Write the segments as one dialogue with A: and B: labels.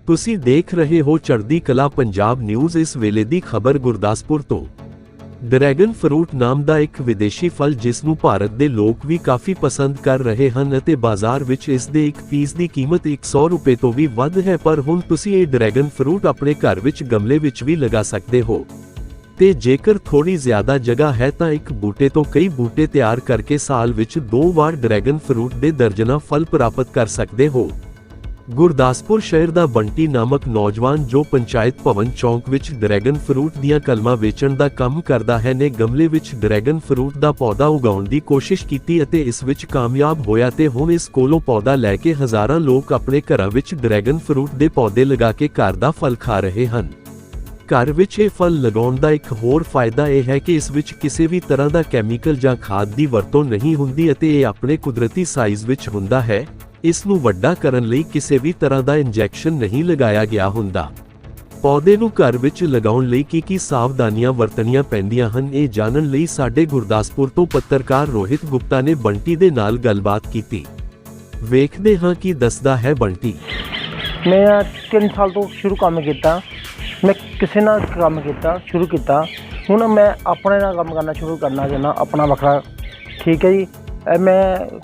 A: ਤੁਸੀਂ ਦੇਖ ਰਹੇ ਹੋ ਚੜ੍ਹਦੀ ਕਲਾ ਪੰਜਾਬ ਨਿਊਜ਼। ਇਸ ਵੇਲੇ ਦੀ ਖਬਰ ਗੁਰਦਾਸਪੁਰ ਤੋਂ। ਡਰੈਗਨ ਫਰੂਟ ਨਾਮ ਦਾ ਇੱਕ ਵਿਦੇਸ਼ੀ ਫਲ ਜਿਸ ਨੂੰ ਭਾਰਤ ਦੇ ਲੋਕ ਵੀ ਕਾਫੀ ਪਸੰਦ ਕਰ ਰਹੇ ਹਨ ਅਤੇ ਬਾਜ਼ਾਰ ਵਿੱਚ ਇਸ ਦੇ ਇੱਕ ਪੀਸ ਦੀ ਕੀਮਤ 100 ਰੁਪਏ ਤੋਂ ਵੀ ਵੱਧ ਹੈ, ਪਰ ਹੁਣ ਤੁਸੀਂ ਇਹ ਡਰੈਗਨ ਫਰੂਟ ਆਪਣੇ ਘਰ ਵਿੱਚ ਗਮਲੇ ਵਿੱਚ ਵੀ ਲਗਾ ਸਕਦੇ ਹੋ ਤੇ ਜੇਕਰ ਥੋੜੀ ਜ਼ਿਆਦਾ ਜਗ੍ਹਾ ਹੈ ਤਾਂ ਇੱਕ ਬੂਟੇ ਤੋਂ ਕਈ ਬੂਟੇ ਤਿਆਰ ਕਰਕੇ ਸਾਲ ਵਿੱਚ 2 ਵਾਰ ਡਰੈਗਨ ਫਰੂਟ ਦੇ ਦਰਜਨਾਂ ਫਲ ਪ੍ਰਾਪਤ ਕਰ ਸਕਦੇ ਹੋ। ਗੁਰਦਾਸਪੁਰ ਸ਼ਹਿਰ ਦਾ ਬੰਟੀ ਨਾਮਕ ਨੌਜਵਾਨ ਜੋ ਪੰਚਾਇਤ ਭਵਨ ਚੌਂਕ ਵਿੱਚ ਡਰੈਗਨ ਫਰੂਟ ਦੀਆਂ ਕਲਮਾਂ ਵੇਚਣ ਦਾ ਕੰਮ ਕਰਦਾ ਹੈ ਨੇ ਗਮਲੇ ਵਿੱਚ ਡਰੈਗਨ ਫਰੂਟ ਦਾ ਪੌਦਾ ਉਗਾਉਣ ਦੀ ਕੋਸ਼ਿਸ਼ ਕੀਤੀ ਅਤੇ ਇਸ ਵਿੱਚ ਕਾਮਯਾਬ ਹੋਇਆ ਤੇ ਹੁਣ ਇਸ ਕੋਲੋਂ ਪੌਦਾ ਲੈ ਕੇ ਹਜ਼ਾਰਾਂ ਲੋਕ ਆਪਣੇ ਘਰਾਂ ਵਿੱਚ ਡਰੈਗਨ ਫਰੂਟ ਦੇ ਪੌਦੇ ਲਗਾ ਕੇ ਘਰ ਦਾ ਫਲ ਖਾ ਰਹੇ ਹਨ। ਘਰ ਵਿੱਚ ਇਹ ਫਲ ਲਗਾਉਣ ਦਾ ਇੱਕ ਹੋਰ ਫਾਇਦਾ ਇਹ ਹੈ ਕਿ ਇਸ ਵਿੱਚ ਕਿਸੇ ਵੀ ਤਰ੍ਹਾਂ ਦਾ ਕੈਮੀਕਲ ਜਾਂ ਖਾਦ ਦੀ ਵਰਤੋਂ ਨਹੀਂ ਹੁੰਦੀ ਅਤੇ ਇਹ ਆਪਣੇ ਕੁਦਰਤੀ ਸਾਈਜ਼ ਵਿੱਚ ਹੁੰਦਾ ਹੈ। ਇਸ ਨੂੰ ਵੱਡਾ ਕਰਨ ਲਈ ਕਿਸੇ ਵੀ ਤਰ੍ਹਾਂ ਦਾ ਇੰਜੈਕਸ਼ਨ ਨਹੀਂ ਲਗਾਇਆ ਗਿਆ ਹੁੰਦਾ। ਪੌਦੇ ਨੂੰ ਘਰ ਵਿੱਚ ਲਗਾਉਣ ਲਈ ਕੀ ਸਾਵਧਾਨੀਆਂ ਵਰਤਣੀਆਂ ਪੈਂਦੀਆਂ ਹਨ, ਇਹ ਜਾਣਨ ਲਈ ਸਾਡੇ ਗੁਰਦਾਸਪੁਰ ਤੋਂ ਪੱਤਰਕਾਰ ਰੋਹਿਤ ਗੁਪਤਾ ਨੇ ਬੰਟੀ ਦੇ ਨਾਲ ਗੱਲਬਾਤ ਕੀਤੀ। ਵੇਖਦੇ ਹਾਂ ਕੀ ਦੱਸਦਾ ਹੈ ਬੰਟੀ।
B: मैं 3 साल तो शुरू काम किया, मैं किसी ना काम किया शुरू किया, हूँ मैं अपने ना काम करना शुरू करना चाहना अपना वखरा। ठीक है जी, मैं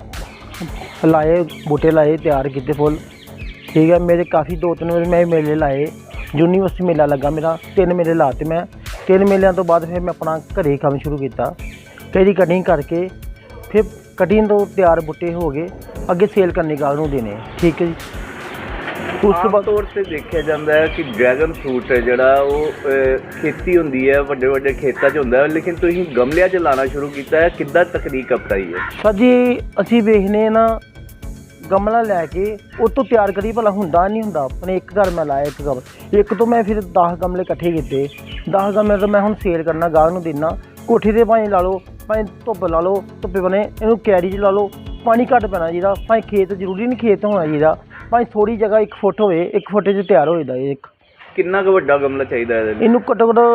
B: लाए बूटे लाए तैयार किए फुल। ठीक है, मेरे काफ़ी 2-3 बार मैं मेले लाए, यूनीवर्सिटी मेला लगा मेरा, 3 मेले लाते मैं। 3 मेलों तो बाद फिर मैं अपना घरे काम शुरू किया, कई कटिंग करके फिर कटिंग तो तैयार बूटे हो गए, अगे सेल करने का देने। ठीक है जी,
C: ਉਸ ਤੋਂ ਤੌਰ ਤੇ ਦੇਖਿਆ ਜਾਂਦਾ ਹੈ ਕਿ ਡਰੈਗਨ ਫਰੂਟ ਹੈ ਜਿਹੜਾ ਉਹ ਖੇਤੀ ਹੁੰਦੀ ਹੈ, ਵੱਡੇ ਵੱਡੇ ਖੇਤਾਂ 'ਚ ਹੁੰਦਾ ਹੈ, ਲੇਕਿਨ ਤੁਸੀਂ ਗਮਲਿਆਂ 'ਚ ਲਾਉਣਾ ਸ਼ੁਰੂ ਕੀਤਾ ਹੈ, ਕਿੱਦਾਂ ਤਕਨੀਕ ਅਪਣਾਈ ਹੈ?
B: ਸਰ ਜੀ ਅਸੀਂ ਵੇਖਨੇ ਨਾ ਗਮਲਾ ਲੈ ਕੇ ਉਹ ਤੋਂ ਤਿਆਰ ਕਰੀ ਭਲਾ ਹੁੰਦਾ ਨਹੀਂ ਹੁੰਦਾ। ਆਪਣੇ ਇੱਕ ਘਰ ਮੈਂ ਲਾਇਆ ਇੱਕ ਤੋਂ ਮੈਂ ਫਿਰ 10 ਗਮਲੇ ਇਕੱਠੇ ਕੀਤੇ। 10 ਗਮਲੇ ਤੋਂ ਮੈਂ ਹੁਣ ਸੇਲ ਕਰਨਾ, ਗਾਹਕ ਨੂੰ ਦੇਣਾ। ਕੋਠੀ 'ਤੇ ਭਾਵੇਂ ਲਾ ਲਓ, ਭਾਵੇਂ ਧੁੱਪ ਲਾ ਲਓ, ਧੁੱਪੇ ਬਣੇ ਇਹਨੂੰ ਕੈਰੀ 'ਚ ਲਾ ਲਓ, ਪਾਣੀ ਘੱਟ ਪੈਣਾ ਚਾਹੀਦਾ। ਭਾਵੇਂ ਖੇਤ ਜ਼ਰੂਰੀ ਨਹੀਂ ਖੇਤ ਹੋਣਾ ਚਾਹੀਦਾ, ਭਾਵੇਂ ਥੋੜੀ ਜਗ੍ਹਾ 1 ਫੁੱਟ ਹੋਵੇ, 1 ਫੁੱਟ 'ਚ ਤਿਆਰ ਹੋ ਜਾਂਦਾ। ਇੱਕ
C: ਕਿੰਨਾ ਕੁ ਵੱਡਾ ਗਮਲਾ ਚਾਹੀਦਾ
B: ਇਹਨੂੰ ਘੱਟੋ ਘੱਟ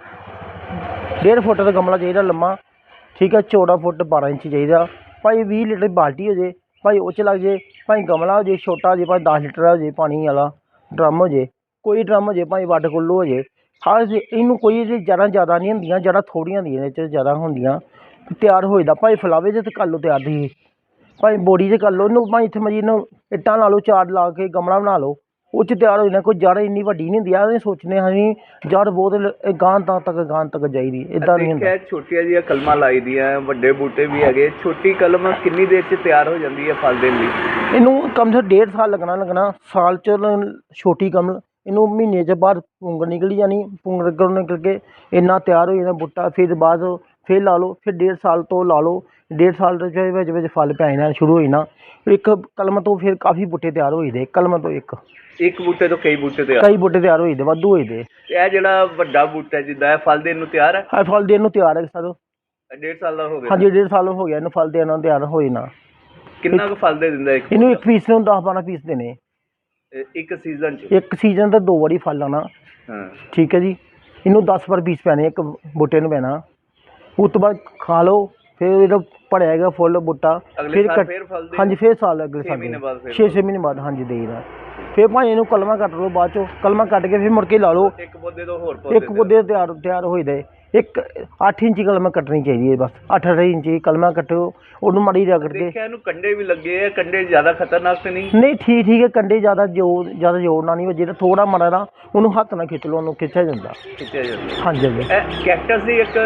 B: 1.5 ਫੁੱਟ ਦਾ ਗਮਲਾ ਚਾਹੀਦਾ ਲੰਮਾ। ਠੀਕ ਹੈ, ਚੌੜਾ ਫੁੱਟ 12 ਇੰਚ ਚਾਹੀਦਾ। ਭਾਵੇਂ 20 ਲੀਟਰ ਬਾਲਟੀ ਹੋ ਜੇ, ਭਾਵੇਂ ਉਹ 'ਚ ਲੱਗ ਜੇ, ਭਾਵੇਂ ਗਮਲਾ ਹੋ ਜੇ ਛੋਟਾ ਹੋ ਜੇ, ਭਾਵੇਂ 10 ਲੀਟਰ ਹੋ ਜੇ ਪਾਣੀ ਵਾਲਾ ਡਰਮ ਹੋ ਜੇ, ਕੋਈ ਡਰਮ ਹੋ ਜੇ, ਭਾਵੇਂ ਵਾਟਰ ਕੂਲਰ ਹੋ ਜੇ। ਹਰ ਇਹਨੂੰ ਕੋਈ ਜ਼ਿਆਦਾ ਨਹੀਂ ਹੁੰਦੀਆਂ, ਜੜ੍ਹਾਂ ਥੋੜ੍ਹੀਆਂ ਹੁੰਦੀਆਂ, ਇਹਦੇ 'ਚ ਜ਼ਿਆਦਾ ਹੁੰਦੀਆਂ, ਤਿਆਰ ਹੋ ਜਾਂਦਾ। ਭਾਵੇਂ ਫਲਾਵੇ 'ਚ ਕਰ ਲਓ ਤਿਆਰ ਦੀ, ਭਾਵੇਂ ਬੋਡੀ 'ਚ ਕਰ ਲਓ ਇਹਨੂੰ, ਭਾਵੇਂ ਇੱਥੇ ਮਜੀ ਇਹਨੂੰ ਇੱਟਾਂ ਲਾ ਲਓ, ਚਾਰ ਲਾ ਕੇ ਗਮਲਾ ਬਣਾ ਲਓ, ਉਹ 'ਚ ਤਿਆਰ ਹੋ ਜਾਂਦਾ। ਕੋਈ ਜੜ੍ਹ ਇੰਨੀ ਵੱਡੀ ਨਹੀਂ ਹੁੰਦੀ ਆ, ਅਸੀਂ ਸੋਚਦੇ ਹਾਂ ਅਸੀਂ ਜੜ੍ਹ ਬਹੁਤ ਗਾਂ ਤੱਕ ਜਾਈਦੀ, ਇੱਦਾਂ ਨਹੀਂ ਹੁੰਦਾ।
C: ਛੋਟੀਆਂ ਜਿਹੀਆਂ ਕਲਮਾਂ ਲਾਈ ਦੀਆਂ, ਵੱਡੇ ਬੂਟੇ ਵੀ ਹੈਗੇ। ਛੋਟੀ ਕਲਮ ਕਿੰਨੀ ਦੇਰ 'ਚ ਤਿਆਰ ਹੋ ਜਾਂਦੀ ਹੈ ਫਲ ਦੇਣ ਲਈ?
B: ਇਹਨੂੰ ਕਮ ਸੇ 1.5 ਸਾਲ ਲੱਗਣਾ। ਸਾਲ 'ਚ ਛੋਟੀ ਕਮਲ ਇਹਨੂੰ ਮਹੀਨੇ 'ਚ ਬਾਅਦ ਪੁੰਗਰ ਨਿਕਲੀ ਜਾਣੀ, ਪੁੰਗਰ ਨਿਕਲ ਕੇ ਇੰਨਾ ਤਿਆਰ ਹੋ ਜਾਂਦਾ ਬੂਟਾ। ਫਿਰ ਬਾਅਦ ਫਿਰ ਲਾ ਲਓ, ਫਿਰ 1.5 ਸਾਲ ਤੋਂ ਲਾ ਲਓ, 1.5 ਸਾਲ ਦੇ ਵਿੱਚ ਫਲ ਪੈ ਜਾਣਾ ਸ਼ੁਰੂ ਹੋ ਜਾਣਾ। ਇੱਕ ਕਲਮ ਤੋਂ ਫਿਰ ਕਾਫੀ ਬੂਟੇ ਤਿਆਰ ਹੋ ਜਾਂਦੇ, ਕਲਮ ਤੋਂ ਇੱਕ
C: ਬੂਟੇ ਤੋਂ ਕਈ ਬੂਟੇ
B: ਤਿਆਰ ਹੋ ਜਾਂਦੇ, ਵਾਧੂ ਹੋ ਜਾਂਦੇ।
C: ਇਹ ਜਿਹੜਾ ਵੱਡਾ ਬੂਟਾ ਜਿੱਦਾਂ ਹੈ, ਫਲ ਦੇਣ ਨੂੰ ਤਿਆਰ ਹੈ?
B: ਹਾਂ, ਫਲ ਦੇਣ ਨੂੰ ਤਿਆਰ ਹੈ ਸਰ।
C: 1.5 ਸਾਲ ਦਾ ਹੋ ਗਿਆ?
B: ਹਾਂਜੀ, 1.5 ਸਾਲ ਹੋ ਗਿਆ ਇਹਨੂੰ ਫਲ ਦੇਣ ਨੂੰ ਤਿਆਰ ਹੋ ਜਾਣਾ।
C: ਕਿੰਨਾ ਕੁ ਫਲ ਦੇ ਦਿੰਦਾ
B: ਇਹਨੂੰ? ਇੱਕ ਪੀਸ ਨੂੰ 10-12 ਪੀਸ ਦੇਣੇ
C: ਇੱਕ ਸੀਜ਼ਨ 'ਚ?
B: ਇੱਕ ਸੀਜ਼ਨ ਤਾਂ 2 ਵਾਰੀ ਫਲ ਆਉਣਾ।
C: ਹਾਂ,
B: ਠੀਕ ਹੈ ਜੀ, ਇਹਨੂੰ 10 ਪਰ ਪੀਸ ਪੈਣੇ, ਇੱਕ ਬੂਟੇ ਨੂੰ ਪੈਣਾ। ਉਸ ਤੋਂ ਬਾਅਦ ਖਾ ਲਓ, ਫਿਰ ਇਹਦਾ ਭਰਿਆ ਹੈਗਾ ਫੁੱਲ ਬੂਟਾ।
C: ਫਿਰ
B: ਹਾਂਜੀ, ਫਿਰ ਸਾਲ ਅਗਲੇ ਸਾਲ 6 ਮਹੀਨੇ ਬਾਅਦ ਹਾਂਜੀ ਦੇਈਦਾ। ਫਿਰ ਭਾਵੇਂ ਇਹਨੂੰ ਕਲਮਾਂ ਕੱਟ ਲਓ, ਬਾਅਦ 'ਚੋਂ ਕਲਮਾਂ ਕੱਟ ਕੇ ਫਿਰ ਮੁੜ ਕੇ ਲਾ ਲਓ।
C: ਇੱਕ ਪੌਦੇ ਤੋਂ ਹੋਰ
B: ਇੱਕ ਪੌਦੇ ਤਿਆਰ ਹੋ ਜਾਂਦੇ। ਇੱਕ 8 ਇੰਚੀ ਕਲਮਾਂ ਕੱਟਣੀ ਚਾਹੀਦੀ ਹੈ, ਬਸ 8 ਇੰਚੀ ਕਲਮਾਂ ਕੱਟੋ, ਉਹਨੂੰ ਮਾੜੀ ਰਗੜ ਕੇ।
C: ਇਹਨੂੰ ਕੰਡੇ ਵੀ ਲੱਗੇ ਆ, ਕੰਡੇ ਜ਼ਿਆਦਾ ਖਤਰਨਾਕ ਤੇ ਨਹੀਂ?
B: ਨਹੀਂ, ਠੀਕ ਹੈ, ਕੰਡੇ ਜ਼ਿਆਦਾ ਜੋੜਨਾ ਨਹੀਂ, ਜਿਹੜਾ ਥੋੜਾ ਮਾੜਾ ਨਾ ਉਹਨੂੰ ਹੱਥ ਨਾਲ ਖਿੱਚ ਲਓ, ਉਹਨੂੰ ਖਿੱਚਿਆ ਜਾਂਦਾ। ਹਾਂਜੀ ਹਾਂਜੀ।
C: ਕੈਕਟਸ ਦੀ ਇੱਕ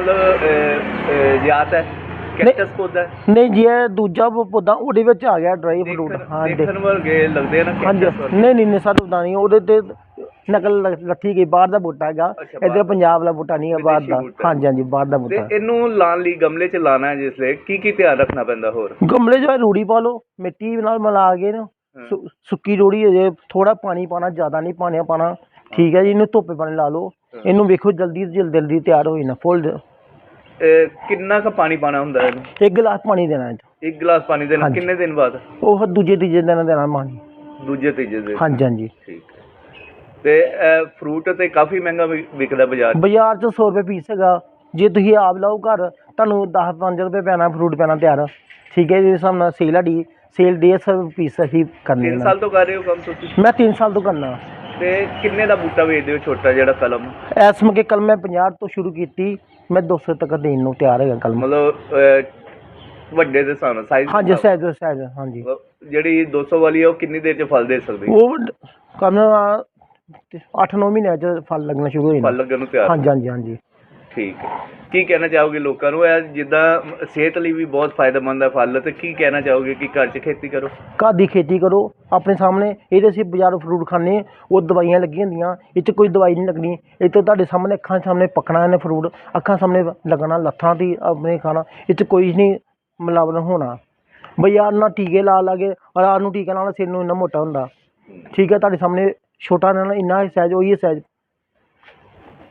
C: ਮਤਲਬ ਜਾਤ ਹੈ, ਕੈਕਟਸ ਪੌਦਾ?
B: ਨਹੀਂ ਜੀ, ਇਹ ਦੂਜਾ ਪੌਦਾ ਉਹਦੇ ਵਿੱਚ ਆ ਗਿਆ ਡਰਾਈ ਫਰੂਟ। ਹਾਂ,
C: ਦੇਖਣ ਵਰਗੇ ਲੱਗਦੇ ਆ ਨਾ?
B: ਹਾਂਜੀ, ਨਹੀਂ ਸਰ ਉਦਾਂ ਨਹੀਂ, ਉਹਦੇ ਤੇ ਨਕਲ ਲੱਥੀ ਗਈ, ਬਾਹਰ ਦਾ ਬੂਟਾ ਹੈਗਾ, ਇੱਧਰ ਪੰਜਾਬ ਵਾਲਾ ਬੂਟਾ ਨਹੀਂ ਹੈ, ਬਾਹਰ ਦਾ। ਹਾਂਜੀ, ਬਾਹਰ ਦਾ ਬੂਟਾ।
C: ਇਹਨੂੰ ਲਾਉਣ ਲਈ ਗਮਲੇ 'ਚ ਲਾਉਣਾ ਹੈ ਜਿਸ ਲਈ ਕੀ ਧਿਆਨ ਰੱਖਣਾ ਪੈਂਦਾ? ਹੋਰ
B: ਗਮਲੇ 'ਚ ਰੂੜੀ ਪਾ ਲਓ, ਮਿੱਟੀ ਨਾਲ ਮਿਲਾ ਕੇ ਨਾ, ਸੁੱਕੀ ਰੂੜੀ ਹੋ ਜੇ, ਥੋੜਾ ਪਾਣੀ ਪਾਣਾ, ਜ਼ਿਆਦਾ ਨਹੀਂ ਪਾਣਾ। ਠੀਕ ਹੈ ਜੀ, ਇਹਨੂੰ ਧੁੱਪੇ ਪਾਣੀ ਲਾ ਲਓ, ਇਹਨੂੰ ਵੇਖੋ ਜਲਦੀ ਤਿਆਰ ਹੋ ਜਾਣਾ ਫੁੱਲ।
C: ਕਿੰਨਾ ਕੁ ਪਾਣੀ ਪਾਣਾ ਹੁੰਦਾ ਇਹਨੂੰ?
B: 1 ਗਲਾਸ ਪਾਣੀ ਦੇਣਾ।
C: 1 ਗਲਾਸ ਪਾਣੀ ਦੇਣਾ? ਕਿੰਨੇ ਦਿਨ ਬਾਅਦ?
B: ਉਹ ਦੂਜੇ ਤੀਜੇ ਦਿਨ ਦੇਣਾ ਪਾਣੀ।
C: ਦੂਜੇ ਤੀਜੇ ਦਿਨ?
B: ਹਾਂਜੀ।
C: ਠੀਕ ਹੈ। ਤੇ ਫਰੂਟ ਤੇ ਕਾਫੀ ਮਹਿੰਗਾ ਵਿਕਦਾ ਬਾਜ਼ਾਰ 'ਚ
B: 100 ਰੁਪਏ ਪੀਸ ਹੈਗਾ। ਜੇ ਤੁਸੀਂ ਆਪ ਲਾਓ ਘਰ, ਤੁਹਾਨੂੰ 10-5 ਰੁਪਏ ਪੈਣਾ ਫਰੂਟ ਪੈਣਾ ਤਿਆਰ। ਠੀਕ ਹੈ ਜੀ, ਇਸ ਹਿਸਾਬ ਨਾਲ ਸੇਲ ਸਾਡੀ ਸੇਲ 150 ਪੀਸ ਅਸੀਂ ਕਰਨੀ।
C: 3 ਸਾਲ ਤੋਂ ਕਰ ਰਹੇ ਹੋ ਕੰਮ ਤੁਸੀਂ?
B: ਮੈਂ 3 ਸਾਲ ਤੋਂ ਕਰਨਾ।
C: ਤੇ ਕਿੰਨੇ ਦਾ ਬੂਟਾ ਵੇਚਦੇ ਹੋ ਛੋਟਾ ਜਿਹੜਾ ਕਲਮ?
B: ਇਸ ਮੌਕੇ ਕਲਮ ਮੈਂ 50 ਤੋਂ ਸ਼ੁਰੂ ਕੀਤੀ, ਮੈਂ 200 ਤੱਕ ਦੇਣ ਨੂੰ ਤਿਆਰ ਹੈਗਾ ਕਲਮ।
C: ਮਤਲਬ ਵੱਡੇ ਦੇ ਹਿਸਾਬ ਨਾਲ ਸਾਈਜ਼?
B: ਹਾਂਜੀ ਸਾਈਜ਼ ਹਾਂਜੀ।
C: ਜਿਹੜੀ 200 ਵਾਲੀ ਹੈ ਉਹ ਕਿੰਨੀ ਦੇਰ ਚ ਫਲ ਦੇ ਸਕਦੀ ਹੈ?
B: ਉਹ ਕਲਮ 8-9 ਮਹੀਨਿਆਂ 'ਚ ਫਲ ਲੱਗਣਾ ਸ਼ੁਰੂ ਹੋ
C: ਫਲ
B: ਜਾਂਦਾ।
C: ਲੱਗਣ ਨੂੰ ਤਿਆਰ?
B: ਹਾਂਜੀ।
C: ਠੀਕ ਹੈ। ਕੀ ਕਹਿਣਾ ਚਾਹੋਗੇ ਲੋਕਾਂ ਨੂੰ? ਇਹ ਜਿੱਦਾਂ ਸਿਹਤ ਲਈ ਵੀ ਬਹੁਤ ਫਾਇਦੇਮੰਦ ਹੈ ਫਲ, ਤੇ ਕੀ ਕਹਿਣਾ ਚਾਹੋਗੇ ਕਿ ਘਰ 'ਚ ਖੇਤੀ ਕਰੋ?
B: ਘਰ ਦੀ ਖੇਤੀ ਕਰੋ ਆਪਣੇ ਸਾਹਮਣੇ। ਇਹਦੇ ਅਸੀਂ ਬਾਜ਼ਾਰੋਂ ਫਰੂਟ ਖਾਂਦੇ ਉਹ ਦਵਾਈਆਂ ਲੱਗੀਆਂ ਹੁੰਦੀਆਂ, ਇਹ 'ਚ ਕੋਈ ਦਵਾਈ ਨਹੀਂ ਲੱਗਣੀ। ਇਹ ਤਾਂ ਤੁਹਾਡੇ ਸਾਹਮਣੇ ਅੱਖਾਂ ਸਾਹਮਣੇ ਪੱਕਣਾ ਇਹਨੇ ਫਰੂਟ, ਅੱਖਾਂ ਸਾਹਮਣੇ ਲੱਗਣਾ, ਲੱਥਾਂ ਦੀ ਆਪਣੇ ਖਾਣਾ। ਇਹ 'ਚ ਕੋਈ ਨਹੀਂ ਮਿਲਾਵਟ ਹੋਣਾ। ਬਾਜ਼ਾਰ ਨਾਲ ਟੀਕੇ ਲਾ ਕੇ ਰਾਤ ਨੂੰ ਟੀਕਾ ਨਾਲ ਸਿਰ ਨੂੰ ਇੰਨਾ ਮੋਟਾ ਹੁੰਦਾ। ਠੀਕ ਹੈ, ਤੁਹਾਡੇ ਸਾਹਮਣੇ ਛੋਟਾ ਨਾਲ ਇੰਨਾ ਸਾਈਜ਼ ਉਹੀ ਸਾਈਜ਼